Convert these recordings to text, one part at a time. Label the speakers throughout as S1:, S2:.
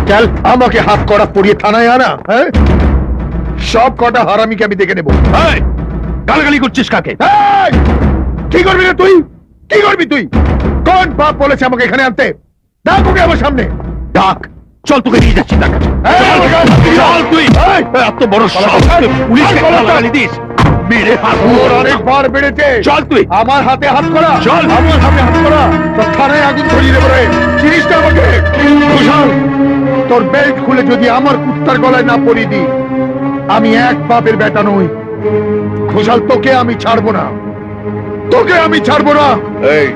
S1: চল, আমাকে হাত করা পড়িয়ে থানায় আনা, হ্যাঁ? সব কটা হারামিকে আমি দেখে নেবো। গালাগালি করছিস কাকে? কি করবি রে তুই? কি করবি তুই? কোন বাপ বলেছে আমাকে এখানে আনতে? ডাক ওকে আমার সামনে, ডাক। চল, তোকে নিয়ে যাচ্ছি তার কাছে। চল তুই। এত বড় পুলিশকে গালাগালি দিস? মেরে হাত অনেকবার বেড়েছে। চল তুই। আমার হাতে হাত করা। চল, আমার হাতে হাত করা। তোর থানায় আগুন ধরিয়ে দেবো রে। জিনিসটা আমাকে ঘোষাল, তোর বেল্ট খুলে যদি আমার কুত্তার গলায় না পরিয়ে দি, আমি এক বাপের বেটা নই। ঘোষাল, তোকে আমি ছাড়বো না, তোকে আমি ছাড়বো না।
S2: এই,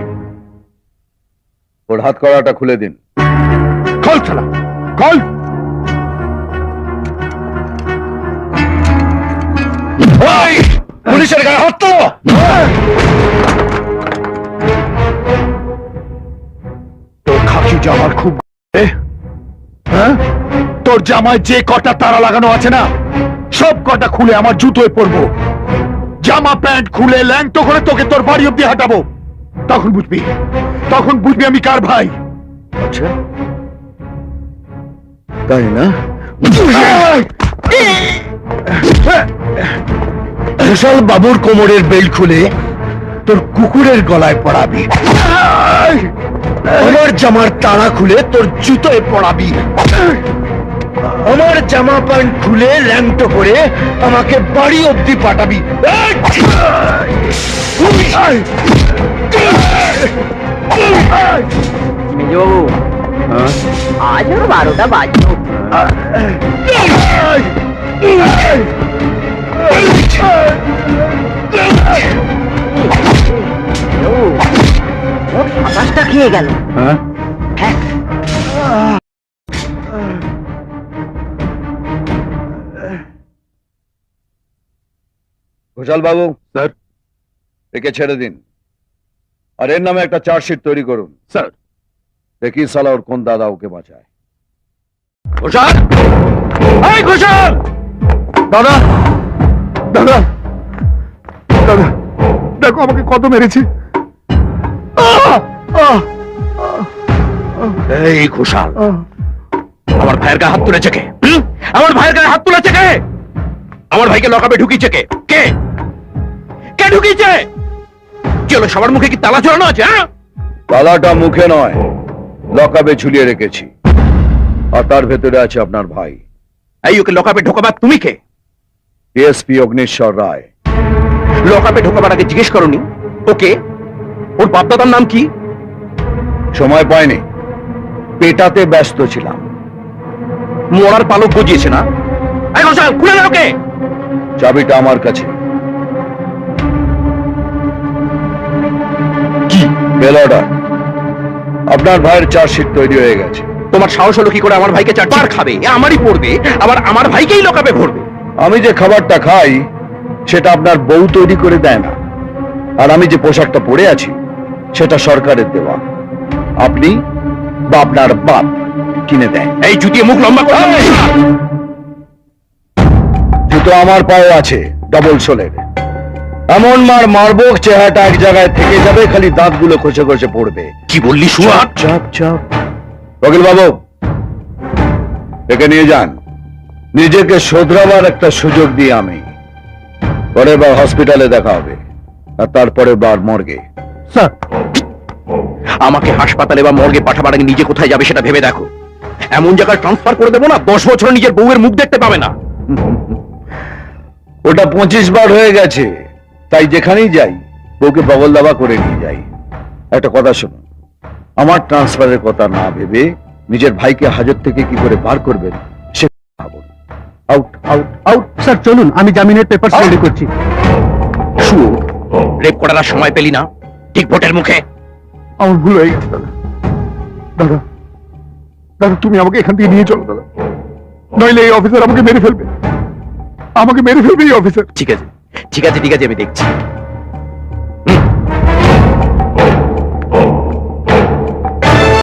S2: ওর হাত করাটা খুলে দিন।
S1: খোল ছাড়া, খোল।
S2: পুলিশের গায়ে হাত তো।
S1: তোর খাকি জামার খুব, হ্যাঁ? তোর জামায় যে কটা তারা লাগানো আছে না, সব কটা খুলে আমার জুতোয় পরবো। জামা প্যান্ট খুলে ল্যাংটো করে তোকে তোর বাড়ি অব্দি হাঁটাবো। তখন বুঝবি, তখন বুঝবি আমি কার ভাই।
S2: আচ্ছা, তাই না?
S1: ঘোষাল বাবুর কোমরের বেল্ট খুলে তোর কুকুরের গলায় পড়াবি। আমার জামার তাড়া খুলে তোর জুতোয় পড়াবি। আমার জামা প্যান্ট খুলে ল্যাংটো করে আমাকে বাড়ি অব্দি পাঠাবি।
S3: মেজবাবু, আজ ওর 12টা বাজলো। ওর 27টা খেয়ে গেল।
S2: হ্যাঁ,
S3: হ্যাঁ,
S2: ঘোষাল বাবু,
S1: স্যার।
S2: একে ছেড়ে দিন, আর এর নামে একটা চার্জশিট তৈরি করুন।
S1: স্যার।
S2: দেখি সালা ওর কোন দাদা ওকে বাঁচায়।
S1: ঘোষাল, এই ঘোষাল! দাদা, দাদা, দাদা, দেখো আমাকে কত মেরেছে। এই ঘোষাল, আমার ভাইয়ের গায়ে হাত তুলেছে কে? আমার ভাইয়ের গায়ে হাত তুলেছে কে? আমার ভাইকে লকাপে ঢুকিয়েছে কে? কে কে ঢুকিয়েছে? চলো, সবার মুখে কি তালা ঝোলানো আছে? হ্যাঁ,
S2: তালাটা মুখে নয়, লকাবে ঝুলিয়ে রেখেছি, আর তার ভেতরে আছে আপনার ভাই।
S1: এই ওকে লকাপে ঢোকাবার তুমি কে?
S2: ডিএসপি অগ্নিশ্বর রায়।
S1: লকাপে ঢোকাবার আগে জিজ্ঞেস করনি ওকে ওর বাপদাদার নাম কি?
S2: সময় পাইনি, পেটাতে ব্যস্ত ছিলাম।
S1: মরার পালক গজিয়েছে না? এই ঘোষাল, খুলে দাও ওকে।
S2: চাবিটা আমার কাছে।
S1: কি
S2: বেল অর্ডার। আপনার ভাইয়ের চার্জশিট তৈরি হয়ে গেছে।
S1: তোমার সাহস হলো কি করে আমার ভাইকে চারবার খাবে? এ আমারই পড়বে, আবার আমার ভাইকেই লকাপে ভরবে।
S2: আমি যে খাবারটা খাই সেটা আপনার বউ তৈরি করে দেয় না, আর আমি যে পোশাকটা পরে আছি সেটা সরকারের দেওয়া। আপনি বা আপনার বাপ কিনে দেয়।
S1: এই জুতিয়ে মুখ লম্বা করে
S2: জুতো আমার পায়ে আছে, ডবল সোলের। এমন মার মারবো চেহারাটা এক জায়গায় থেকে যাবে, খালি দাঁতগুলো খসে খসে পড়বে।
S1: কি বললি সুয়াট?
S2: চাপ চাপ। বকিল বাবু, একে নিয়ে যান। নিজেকে শোধরাবার একটা সুযোগ দিয়ে আমি। পরের বার হসপিটালে দেখা হবে, আর তারপরে বার মর্গে।
S1: স্যার, আমাকে হাসপাতালে বা মর্গে পাঠাবার আগে নিজে কোথায় যাবে সেটা ভেবে দেখো। এমন জায়গায় ট্রান্সফার করে দেবো না 10 বছর নিজের বউয়ের মুখ দেখতে পাবে না।
S2: ওটা 25 বার হয়ে গেছে, তাই যেখানেই যাই বউকে বগল দাবা করে নিয়ে যাই। একটা কথা শুনুন, আমার ট্রান্সফারের কথা না ভেবে নিজের ভাইকে হাজত থেকে কি করে বার করবেন সে ভাবুন। Out out out.
S4: স্যার চলুন, আমি জামিনের পেপার রেডি করছি।
S1: শুয়ো, রেপ করার আর সময় পেলি না, ঠিক ভোটের মুখে। আমার ভুল হয়ে গেছে দাদা। দাদা, দাদা, তুমি আমাকে এখান থেকে নিয়ে চলো দাদা, নইলে এই অফিসার আমাকে মেরে ফেলবে। আমাকে মেরে ফেলবে এই অফিসার। ঠিক আছে, ঠিক আছে, ঠিক আছে, আমি দেখছি।